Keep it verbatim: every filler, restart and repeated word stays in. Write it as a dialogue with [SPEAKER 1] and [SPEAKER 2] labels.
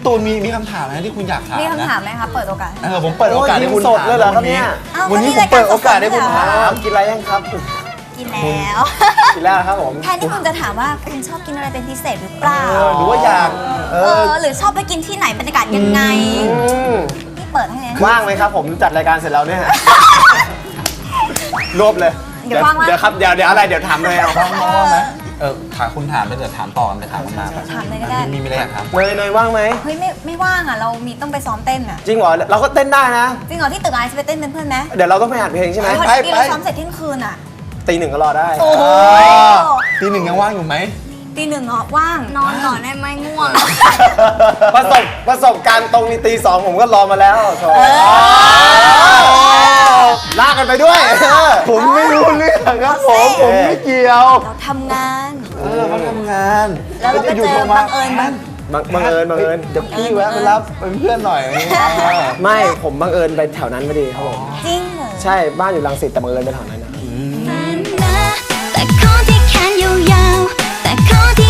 [SPEAKER 1] ตูนมีมีคำถามนะที่คุณอยากถาม
[SPEAKER 2] มี
[SPEAKER 1] นะ
[SPEAKER 2] คำถามไหมคะเปิดโอกาส
[SPEAKER 1] เออผมเปิดโอกาสให้คุณ
[SPEAKER 3] สดเลยเหรอครับเนี่ย
[SPEAKER 1] วันนี้ผมเปิดโอกาสให้คุณถาม
[SPEAKER 3] กินอะไรยังครับ
[SPEAKER 2] กินแล้ว
[SPEAKER 3] กินแล้วครับผม
[SPEAKER 2] แทนที่คุณจะถามว่าคุณชอบกินอะไรเป็นพิเศษหรือเปล่า
[SPEAKER 1] เออหรือว่าอยากเอ
[SPEAKER 2] เอ
[SPEAKER 1] อ
[SPEAKER 2] อหรือชอบไปกินที่ไหนบรรยากาศยังไง
[SPEAKER 3] อืม
[SPEAKER 2] นี่เปิดให้เลย
[SPEAKER 3] ว่างไหมครับผมจัดรายการเสร็จแล้วเนี่ยรวบเลย
[SPEAKER 2] เดี๋ยวว่างๆ
[SPEAKER 3] เดี๋ยวครับเดี๋ยวเดี๋ยวอะไรเดี๋ยวถามเลยเอา
[SPEAKER 1] ว่างมองไหมเออถามคุณถามไปเดี๋ยวถามต่อกันไปถามกันมา
[SPEAKER 2] ถามเลยก็ได้
[SPEAKER 1] มีมีอะไรอยากถาม
[SPEAKER 3] เนยเนยว่างไหม
[SPEAKER 2] เฮ้ยไม่ไม่ว่างอ่ะเรามีต้องไปซ้อมเต้นอ่ะ
[SPEAKER 3] จริงเหรอเราก็เต้นได้นะ
[SPEAKER 2] จริงเหรอที่ตึกไอซ์ไปเต้นเป็นเพื่อนไหม
[SPEAKER 3] เดี๋ยวเราต้องไปอัดเพลงใช่ไหม
[SPEAKER 2] พอดีเราซ้อมเสร็จเที่ยงคืนอ่ะ
[SPEAKER 3] ตีหนึ่งก็รอได้
[SPEAKER 2] โอ้โห
[SPEAKER 1] ตีหนึ่งยังว่างอยู่ไหม
[SPEAKER 2] ตีหนึ่งเหรอว่างนอนก่อนได้ไหมง่วง
[SPEAKER 3] ประสบประสบการณ์ตรงนี้ตีสองผมก็รอมาแล้วโถ่
[SPEAKER 2] เออ
[SPEAKER 3] ลากกันไปด้วย
[SPEAKER 1] ผมไม่รู้เรื่องครับผมผมไม่เกี่ยว
[SPEAKER 2] เราทำงาน
[SPEAKER 1] เออเขาทำงาน
[SPEAKER 2] แล้วเราก็เจอบังเอิญบัง
[SPEAKER 3] บังบังเอิญบังเอิญ
[SPEAKER 1] เดี๋ยวพี่แวะไปรับเป็นเพื่อนหน่อย
[SPEAKER 3] ไม่ผมบังเอิญไปแถวนั้นพอดีครับผม
[SPEAKER 2] จริงเหรอ
[SPEAKER 3] ใช่บ้านอยู่รังสิตแต่บังเอิญไปแถวนั้นนะ
[SPEAKER 4] แต่ขอที่แขนยาวๆแต่ขอที่